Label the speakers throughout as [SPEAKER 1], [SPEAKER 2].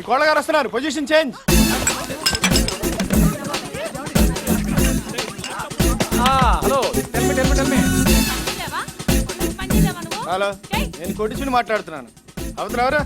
[SPEAKER 1] కోళ్ళగారు వస్తున్నారు, position change.
[SPEAKER 2] Hello
[SPEAKER 1] hello, నేను కొట్టించుని మాట్లాడుతున్నాను. అవుతున్నారా?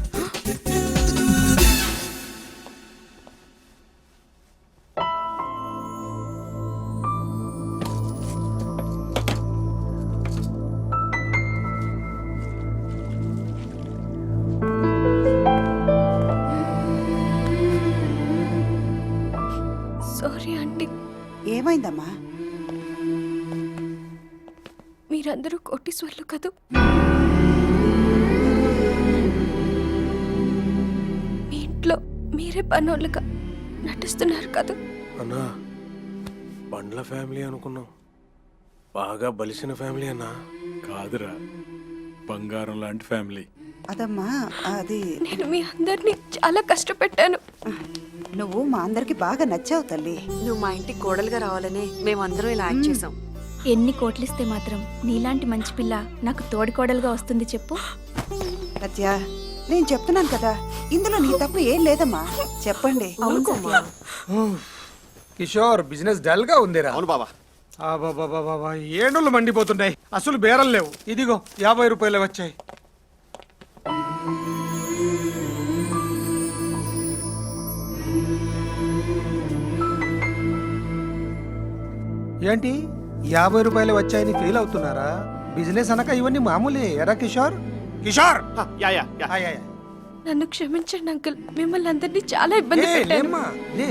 [SPEAKER 3] Sorry aunty.
[SPEAKER 4] ఏమైందమ్మా?
[SPEAKER 3] మీరందరూ కోటీశ్వర్లు కదూ. మీ ఇంట్లో మీరే పనోళ్ళుగా నటిస్తున్నారు కదా.
[SPEAKER 2] అన్నా, బండ్ల ఫ్యామిలీ అనుకున్నాం, బాగా బలిసిన ఫ్యామిలీ అన్నా.
[SPEAKER 5] కాదురా, బంగారం లాంటి ఫ్యామిలీ.
[SPEAKER 4] అదమ్మా, అది
[SPEAKER 3] నేను మీ అందరినీ చాలా కష్టపెట్టాను.
[SPEAKER 4] నువ్వు మా అందరికి బాగా నచ్చావు తల్లి.
[SPEAKER 6] నువ్వు మా ఇంటికి కోడలుగా రావాలని మేమందరం ఇలా యాక్ట్ చేసాం.
[SPEAKER 7] ఎన్ని కోట్లిస్తే మాత్రం నీలాంటి మంచి పిల్ల నాకు తోడికోడలుగా వస్తుంది చెప్పు.
[SPEAKER 4] సత్య, నేను చెప్తున్నాను కదా, ఇందులో నీ తప్పు ఏం లేదమ్మా. చెప్పండి.
[SPEAKER 8] కిషోర్, బిజినెస్ డల్ గా ఉందిరా.
[SPEAKER 1] అవును బాబా.
[SPEAKER 8] ఏడుళ్ళు మండిపోతున్నాయి, అసలు బేరం లేవు. ఇదిగో 50 రూపాయలు వచ్చాయి. ఏంటి 50 రూపాయలు వచ్చాయని ఫీల్ అవుతున్నారా? బిజినెస్ అనక ఇవన్నీ మామూలే. ఎరా Kishore? Kishore,
[SPEAKER 1] yeah yeah yeah.
[SPEAKER 3] నన్ను క్షమించండి అంకుల్, మిమ్మల్ని అందరినీ చాలా ఇబ్బంది పెట్టాను.
[SPEAKER 8] లేమ్మా, లే.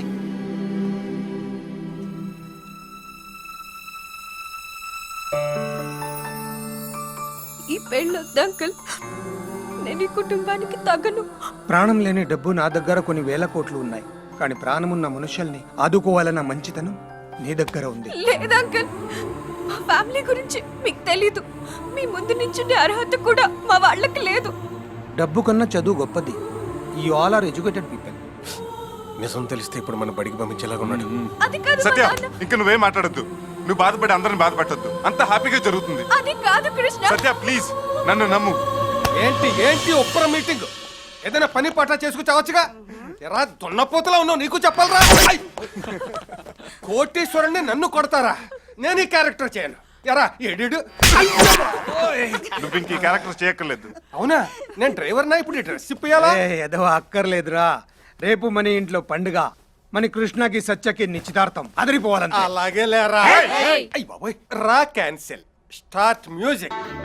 [SPEAKER 3] ఈ పెళ్ళొద్దు అంకుల్, నేను ఈ కుటుంబానికి తగను.
[SPEAKER 8] ప్రాణం లేని డబ్బు నా దగ్గర కొన్ని వేల కోట్లు ఉన్నాయి, కానీ ప్రాణమున్న మనుషుల్ని ఆదుకోవాలన్న మంచితనం నీ దగ్గర ఉంది.
[SPEAKER 3] లేదు అంకుల్, మా ఫ్యామిలీ గురించి మీకు తెలీదు. మీ ముందు నించుండే అర్హత కూడా మా వాళ్ళకి లేదు.
[SPEAKER 8] డబ్బు కన్నా చదువు గొప్పది. You all are educated people.
[SPEAKER 2] నిజం తెలిస్తే ఇప్పుడు మన బడికి పంపించేలాగా ఉన్నాడు.
[SPEAKER 3] అది కాదు మా
[SPEAKER 9] సత్య,
[SPEAKER 3] నాన్న.
[SPEAKER 9] ఇంక నువ్వేం మాట్లాడద్దు. నువ్వు బాధపడి అందరిని బాధపెట్టద్దు. అంత హ్యాపీగా జరుగుతుంది.
[SPEAKER 3] అది కాదు కృష్ణ.
[SPEAKER 9] సత్య ప్లీజ్ నన్ను నమ్ము.
[SPEAKER 8] ఏంటి ఏంటి ఒప్పర మీటింగ్? ఏదైనా పని పాట చేసుకుచావచ్చుగా. ఎరా దున్నపోతలా ఉన్నావు, నీకు చెప్పాలరా. కోటీశ్వరుణ్ణి నన్ను కొడతారా? నేను ఈ క్యారెక్టర్ చేయను. ఎరా ఎడు.
[SPEAKER 9] నువ్వు ఇంక ఈ క్యారెక్టర్ చేయక్కర్లేదు.
[SPEAKER 8] అవునా? నేను డ్రైవర్నా? ఇప్పుడు డ్రెస్ ఇప్పియాలా? ఏదో అక్కర్లేదురా. రేపు మన ఇంట్లో పండుగ. మన కృష్ణకి సత్యకి నిశ్చితార్థం. అదిరిపోవాలంటే. అలాగే లేరా. రా క్యాన్సిల్. Start music.